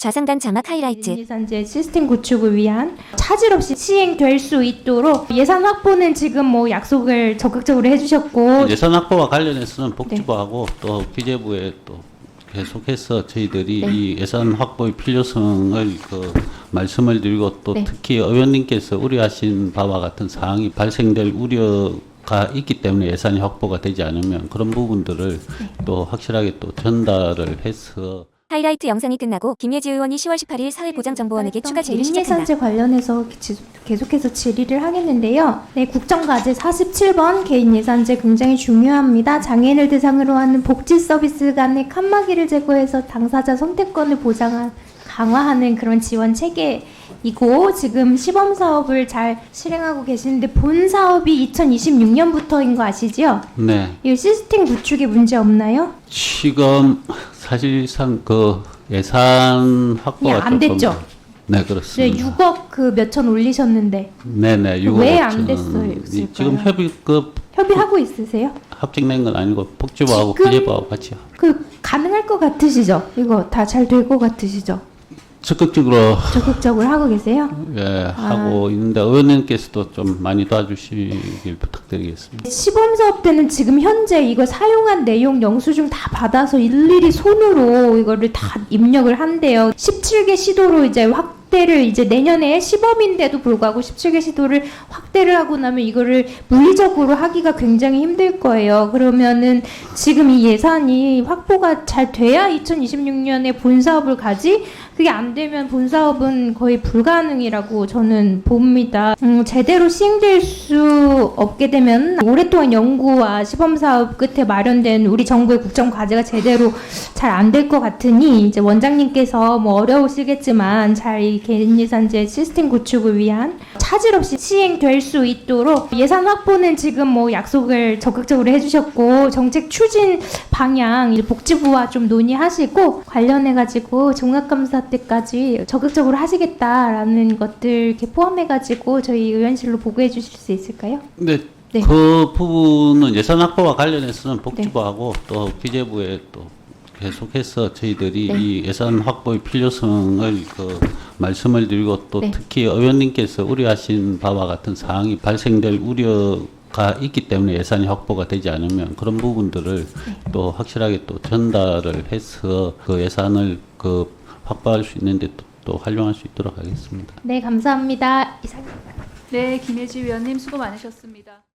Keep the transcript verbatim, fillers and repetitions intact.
좌상단 자막 하이라이트. 예산제 시스템 구축을 위한 차질 없이 시행될 수 있도록 예산 확보는 지금 뭐 약속을 적극적으로 해주셨고, 예산 확보와 관련해서는 복지부하고 또 기재부에 또 계속해서 저희들이 네. 이 예산 확보의 필요성을 그 말씀을 드리고 또 네. 특히 의원님께서 우려하신 바와 같은 사항이 발생될 우려가 있기 때문에 예산이 확보가 되지 않으면 그런 부분들을 네. 또 확실하게 또 전달을 해서 하이라이트 영상이 끝나고 김예지 의원이 시월 십팔일 사회보장정보원에게 추가 질의 시작합니다. 예산제 관련해서 지- 계속해서 질의를 하겠는데요. 네, 국정과제 사십칠 번 개인 예산제 굉장히 중요합니다. 장애인을 대상으로 하는 복지 서비스 간의 칸막이를 제거해서 당사자 선택권을 보장 강화하는 그런 지원 체계이고, 지금 시범 사업을 잘 실행하고 계시는데 본 사업이 이천이십육 년부터인 거 아시죠? 네. 이 시스템 구축에 문제 없나요? 지금 사실상 그 예산 확보가 예, 안 조금- 됐죠? 네, 네, 그렇습니다. 육억 그 몇천 올리셨는데 네네. 왜 육억 안 오천. 됐어요? 이- 지금 협의 그 협의하고 있으세요? 합작된 건 아니고 복지부하고 지금- 기재부하고 같이 그 가능할 것 같으시죠? 이거 다 잘 될 것 같으시죠? 적극적으로 적극적으로 하고 계세요? 예, 아. 하고 있는데 의원님께서도 좀 많이 도와주시길 부탁드리겠습니다. 시범 사업 때는 지금 현재 이거 사용한 내용 영수증 다 받아서 일일이 손으로 이거를 다 입력을 한대요. 십칠 개 시도로 이제 확대를 이제 내년에 시범인데도 불구하고 십칠 개 시도를 확대를 하고 나면 이거를 물리적으로 하기가 굉장히 힘들 거예요. 그러면은 지금 이 예산이 확보가 잘 돼야 이천이십육 년에 본 사업을 가지, 그게 안 되면 본 사업은 거의 불가능이라고 저는 봅니다. 음, 제대로 시행될 수 없게 되면 오랫동안 연구와 시범 사업 끝에 마련된 우리 정부의 국정 과제가 제대로 잘 안 될 것 같으니, 이제 원장님께서 뭐 어려우시겠지만 잘 이 개인 예산제 시스템 구축을 위한 차질 없이 시행될 수 있도록 예산 확보는 지금 뭐 약속을 적극적으로 해주셨고, 정책 추진 방향 이제 복지부와 좀 논의하시고 관련해 가지고 종합감사 때까지 적극적으로 하시겠다라는 것들 이렇게 포함해 가지고 저희 의원실로 보고해 주실 수 있을까요? 근데 네. 그 부분은 예산 확보와 관련해서는 복지부하고 또 기재부에 또 계속해서 저희들이 네. 이 예산 확보의 필요성을 그 말씀을 드리고 또 네. 특히 의원님께서 우려하신 바와 같은 사항이 발생될 우려가 있기 때문에 예산이 확보가 되지 않으면 그런 부분들을 네. 또 확실하게 또 전달을 해서 그 예산을 그 확보할 수 있는데 또, 또 활용할 수 있도록 하겠습니다. 네, 감사합니다. 이상입니다. 네, 김혜지 위원님 수고 많으셨습니다.